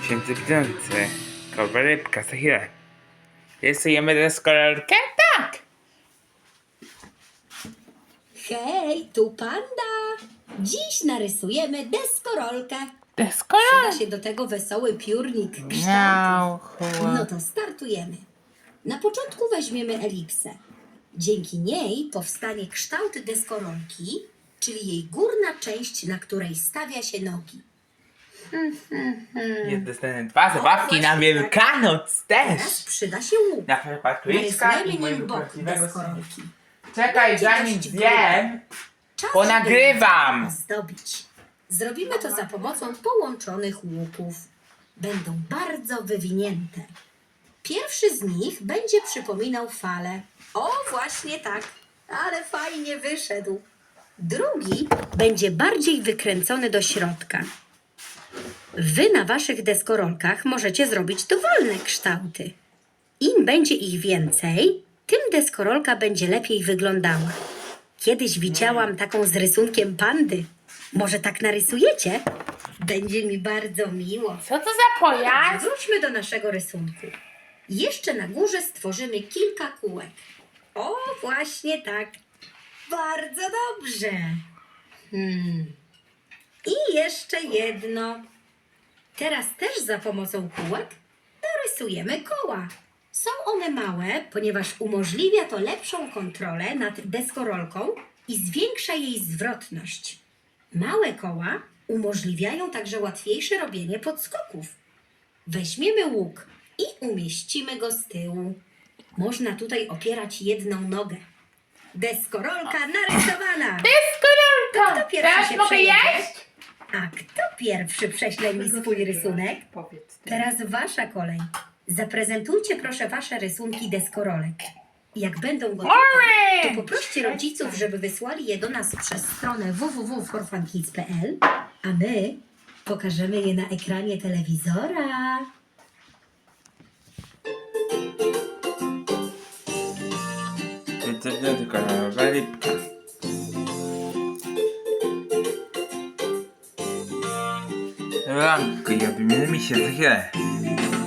Święty Widzący. Kolba rybka, za chwilę. Rysujemy deskorolkę? Tak! Hej, tu panda! Dziś narysujemy deskorolkę. Przyda Deskorolka? się do tego wesoły piórnik kształtów. Miau, No to startujemy. Na początku weźmiemy elipsę. Dzięki niej powstanie kształt deskorolki, czyli jej górna część, na której stawia się nogi. Jest dostępne dwa zabawki na właśnie Wielkanoc Teraz też. przyda się łuk. Na Patrycka Narysujemy i mojego nim bok prawdziwego syna. deskorolki. Czekaj, Będzie zanim dość zjem, Czas, bo by nagrywam. Zdobić. Zrobimy to za pomocą połączonych łuków. Będą bardzo wywinięte. Pierwszy z nich będzie przypominał falę. O, właśnie tak, ale fajnie wyszedł. Drugi będzie bardziej wykręcony do środka. Wy na waszych deskorolkach możecie zrobić dowolne kształty. Im będzie ich więcej, tym deskorolka będzie lepiej wyglądała. Kiedyś widziałam taką z rysunkiem pandy. Może tak narysujecie? Będzie mi bardzo miło. Co to za pojazd? Wróćmy do naszego rysunku. Jeszcze na górze stworzymy kilka kółek. O, właśnie tak. Bardzo dobrze. I jeszcze jedno. Teraz też za pomocą kółek dorysujemy koła. Są one małe, ponieważ umożliwia to lepszą kontrolę nad deskorolką i zwiększa jej zwrotność. Małe koła umożliwiają także łatwiejsze robienie podskoków. Weźmiemy łuk i umieścimy go z tyłu. Można tutaj opierać jedną nogę. Deskorolka narysowana! Deskorolka! Kto pierwszy Teraz się mogę przejedzie? jeść? A kto pierwszy prześle mi swój rysunek? Powiedz. Teraz wasza kolej. Zaprezentujcie proszę wasze rysunki deskorolek. Jak będą gotowe, to poproście rodziców, żeby wysłali je do nas przez stronę www.forfunkids.pl, a my pokażemy je na ekranie telewizora. Święty kolorowa rybka. Ranki, obejmiemy się za chwilę.